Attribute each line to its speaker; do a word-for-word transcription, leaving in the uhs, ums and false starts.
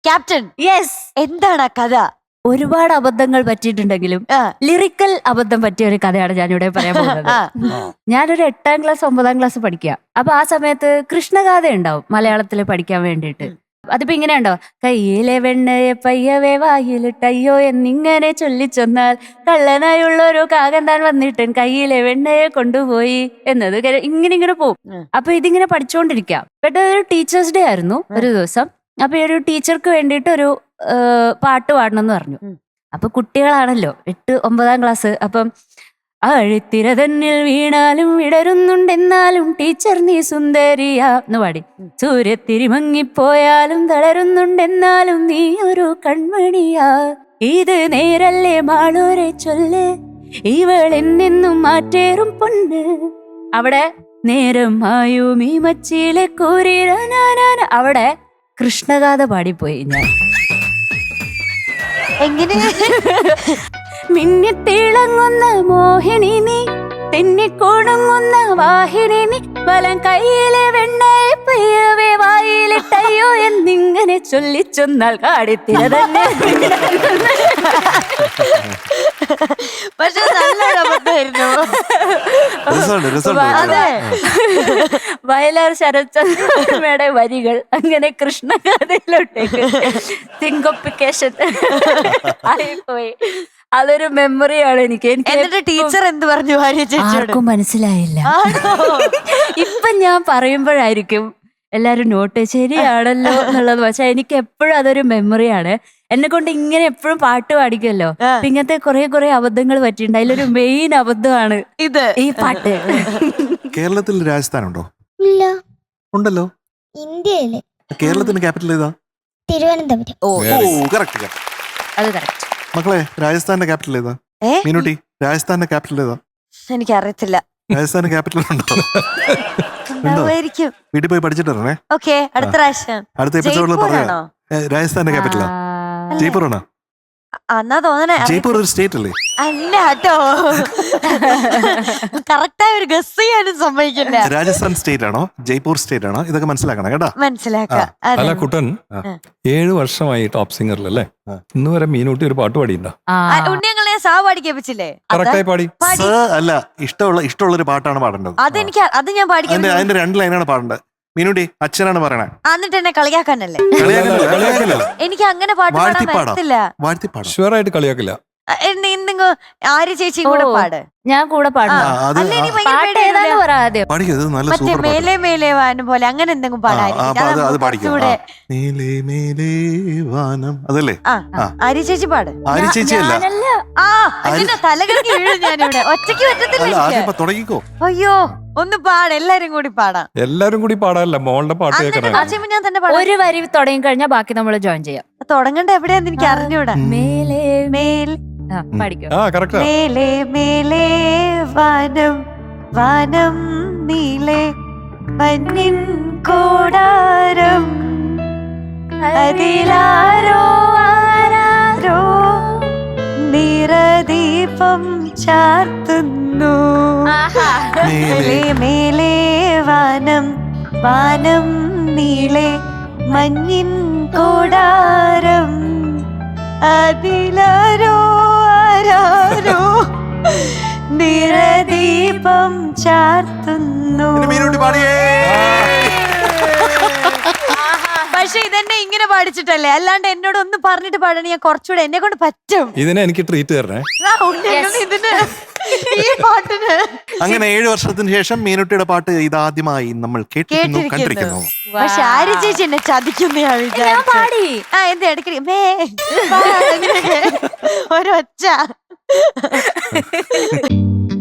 Speaker 1: Captain.
Speaker 2: Yes.
Speaker 1: എന്താണ് ആ കഥ?
Speaker 2: ഒരുപാട് അബദ്ധങ്ങൾ പറ്റിയിട്ടുണ്ടെങ്കിലും ലിറിക്കൽ അബദ്ധം പറ്റിയ ഒരു കഥയാണ് ഞാനിവിടെ പറയാൻ പോകുന്നത്. ഞാനൊരു എട്ടാം ക്ലാസ് ഒമ്പതാം ക്ലാസ് പഠിക്കുക. അപ്പൊ ആ സമയത്ത് കൃഷ്ണഗാഥ ഉണ്ടാവും മലയാളത്തിൽ പഠിക്കാൻ വേണ്ടിയിട്ട്. അതിപ്പോ ഇങ്ങനെ ഉണ്ടോ, കയ്യിലെ വെണ്ണയെ പയ്യവേ വായിലിട്ടയ്യോ എന്നിങ്ങനെ ചൊല്ലിച്ചൊന്നാൽ കള്ളനായുള്ളൊരു കാകൻ താൻ വന്നിട്ട് കയ്യിലെ വെണ്ണയെ കൊണ്ടുപോയി എന്നത് ഇങ്ങനെ ഇങ്ങനെ പോവും. അപ്പൊ ഇതിങ്ങനെ പഠിച്ചുകൊണ്ടിരിക്കാം. പെട്ടെന്ന് ഒരു ടീച്ചേഴ്സ് ഡേ ആയിരുന്നു ഒരു ദിവസം. അപ്പൊ ഈ ഒരു ടീച്ചർക്ക് വേണ്ടിയിട്ട് ഒരു പാട്ട് പാടണം എന്ന് പറഞ്ഞു. അപ്പൊ കുട്ടികളാണല്ലോ, എട്ട് ഒമ്പതാം ക്ലാസ്. അപ്പം അഴിത്തിര തന്നിൽ വീണാലും വിടരുന്നുണ്ടെന്നാലും ടീച്ചർ നീ സുന്ദരിയാ എന്ന് പാടി. സൂര്യത്തിരി മങ്ങിപ്പോയാലും തളരുന്നുണ്ടെന്നാലും നീ ഒരു കൺമണിയാ. ഇത് നേരല്ലേ മാളൂരെ ചൊല്ല്, ഇവൾ എന്നെന്നും മാറ്റേറും പൊണ്ണ്. അവിടെ നേരം ആയും ഈ മച്ചിയിലെ കൂരിരാനാന അവിടെ കൃഷ്ണഗാഥ പാടിപ്പോയി ഞാൻ.
Speaker 1: എങ്ങനെ?
Speaker 2: മിന്നിത്തിളങ്ങുന്ന മോഹിനി നീ, തെന്നിക്കൊടുങ്ങുന്ന വാഹിനി നീ, വലം കയ്യിലെ വെണ്ണയെ പയ്യവേ വായിലിട്ടയ്യോ എന്നിങ്ങനെ ചൊല്ലിച്ചൊന്നാൽ കാടിത്തിര തന്നെ.
Speaker 1: പക്ഷെ നല്ലൊരു അബദ്ധമായിരുന്നു.
Speaker 2: അതെ, വയലാർ ശരത്ചന്ദ്രയുടെ വരികൾ അങ്ങനെ കൃഷ്ണഗാഥയിലോട്ടേക്ക് സിങ്കോപ്പിക്കേഷൻ ആയിപ്പോയി. അതൊരു മെമ്മറിയാണ് എനിക്ക്.
Speaker 1: എന്നിട്ട് ടീച്ചർ എന്ത് പറഞ്ഞു ഭാര്യ ചേച്ചിയോട്?
Speaker 2: ആർക്കും മനസ്സിലായില്ല. ഇപ്പൊ ഞാൻ പറയുമ്പോഴായിരിക്കും എല്ലാരും നോട്ട് ശരിയാണല്ലോ എന്നുള്ളത്. പക്ഷെ എനിക്ക് എപ്പോഴും അതൊരു മെമ്മറിയാണ്. എന്നെ കൊണ്ട് ഇങ്ങനെ എപ്പോഴും പാട്ട് പാടിക്കുമല്ലോ. ഇങ്ങനത്തെ കുറെ കുറെ അബദ്ധങ്ങൾ പറ്റിയിട്ടുണ്ട്. അതിലൊരു മെയിൻ അബദ്ധമാണ്
Speaker 1: ഇത്,
Speaker 2: ഈ പാട്ട്.
Speaker 3: കേരളത്തിൽ രാജസ്ഥാൻ ഉണ്ടോ?
Speaker 4: ഇല്ല.
Speaker 3: ഉണ്ടല്ലോ.
Speaker 4: ഇന്ത്യയില്.
Speaker 3: കേരളത്തിന്റെ ക്യാപിറ്റൽ ഏതാ?
Speaker 4: തിരുവനന്തപുരം.
Speaker 3: ഓ കറക്റ്റ്.
Speaker 2: അത് കറക്റ്റ്.
Speaker 3: മക്കളെ, രാജസ്ഥാന്റെ ക്യാപിറ്റൽ ഏതാ? മീനുട്ടി, രാജസ്ഥാന്റെ ക്യാപിറ്റൽ ഏതാ?
Speaker 1: എനിക്ക് അറിയത്തില്ല.
Speaker 3: രാജസ്ഥാന്റെ ക്യാപിറ്റൽ ഉണ്ടോ? വീട്ടിൽ പോയി പഠിച്ചിട്ട് വരണേ.
Speaker 1: ഓക്കെ, അടുത്ത പ്രാവശ്യം.
Speaker 3: അടുത്ത എപ്പിസോഡിൽ പറയാം. രാജസ്ഥാന്റെ ക്യാപിറ്റലാ ജയ്പൂർ ആണോ?
Speaker 1: എന്നാ തോന്നണേ
Speaker 3: ജയ്പൂർ ഒരു സ്റ്റേറ്റ് അല്ലേ?
Speaker 1: അല്ല കേട്ടോ, കറക്റ്റായി ഒരു ഗസ് ചെയ്യാനും സമ്മതിക്കില്ല.
Speaker 3: രാജസ്ഥാൻ സ്റ്റേറ്റ് ആണോ ജയ്പൂർ സ്റ്റേറ്റ് ആണോ ഇതൊക്കെ മനസ്സിലാക്കണം കേട്ടോ.
Speaker 1: മനസ്സിലാക്കാം.
Speaker 5: അല്ല കുട്ടൻ, ഏഴു വർഷമായി ടോപ്പ് സിംഗറിൽ അല്ലേ? ഇന്ന് വരെ മീനൂട്ടി ഒരു പാട്ട് പാടിയിട്ടുണ്ടോ?
Speaker 1: ഉണ്ണിയങ്ങളെ സാ പാടിക്കേപ്പിച്ചില്ലേ?
Speaker 5: കറക്റ്റായി പാടി.
Speaker 3: അല്ല, ഇഷ്ടമുള്ള ഇഷ്ടമുള്ള ഒരു പാട്ടാണ് പാടേണ്ടത്.
Speaker 1: അതെനിക്ക് അത് ഞാൻ പാടിക്കാൻ.
Speaker 3: അതിന്റെ രണ്ട് ലൈനാണ് പാടേണ്ടത്. മീനുട്ടി അച്ഛനാണ് പറയണേ.
Speaker 1: എന്നിട്ട് എന്നെ കളിയാക്കാനല്ലേ? എനിക്ക് അങ്ങനെ പാട്ട് പാടാൻ പറ്റത്തില്ല.
Speaker 5: ഷുവറായിട്ട് കളിയാക്കില്ല.
Speaker 1: എന്തെങ്കിലും ആര്യ ചേച്ചി കൂടെ പാട്,
Speaker 2: ഞാൻ കൂടെ പാടും.
Speaker 1: മറ്റേ മേലെ മേലെ വാനം പോലെ അങ്ങനെ എന്തെങ്കിലും പാടായിരിക്കും. ആര്യ ചേച്ചി പാട്.
Speaker 3: ആര്യ ചേച്ചി അല്ല,
Speaker 1: ആ അതിന്റെ തലകൾക്ക് വീഴും ഞാനിവിടെ. ഒറ്റയ്ക്ക് പറ്റത്തില്ല. അയ്യോ, ഒന്ന് പാട്, എല്ലാരും കൂടി പാടാം.
Speaker 5: എല്ലാരും കൂടി പാടാനല്ല, മോളുടെ പാട്ട് കേൾക്കണം.
Speaker 1: ഞാൻ തന്നെ പാടാം.
Speaker 2: ഒരു വരി തുടങ്ങി കഴിഞ്ഞാൽ ബാക്കി നമ്മൾ ജോയിൻ ചെയ്യാം.
Speaker 1: തുടങ്ങണ്ട എവിടെയാന്ന് എനിക്ക് അറിഞ്ഞൂടാ. മേലെ മേൽ
Speaker 5: മേലെ
Speaker 1: മേലെ വാനം വാനം നീലെ മഞ്ഞിൻ കൂടാരം അതിലാരോ ആരാരോ നിറദീപം ചാർത്തുന്നു. മേലെ മേലെ വാനം വാനം നീലെ മഞ്ഞിൻ കൂടാരം അതിലാരോ ആരാരോ നിറദീപം ചാർത്തുന്നു. പക്ഷെ ഇതെന്നെ ഇങ്ങനെ പാടിച്ചിട്ടല്ലേ, അല്ലാണ്ട് എന്നോട് ഒന്ന് പറഞ്ഞിട്ട് പാടണ ഞാൻ കുറച്ചുകൂടെ എന്നെ കൊണ്ട് പറ്റും.
Speaker 5: ഇതിനെ എനിക്ക് ട്രീറ്റ് തരണേ.
Speaker 1: ഇതിന് ഈ പാട്ടിന്
Speaker 3: അങ്ങനെ ഏഴു വർഷത്തിന് ശേഷം മീനുട്ടിയുടെ പാട്ട് ഇതാദ്യമായി നമ്മൾ കേട്ടിരിക്കുന്നു, കണ്ടിരിക്കുന്നു.
Speaker 1: പക്ഷെ ആര്യ ചേച്ചി എന്നെ ചതിക്കുന്ന
Speaker 2: പാടി.
Speaker 1: ആ എന്ത് ഇടയ്ക്ക് മേ ഒരൊച്ച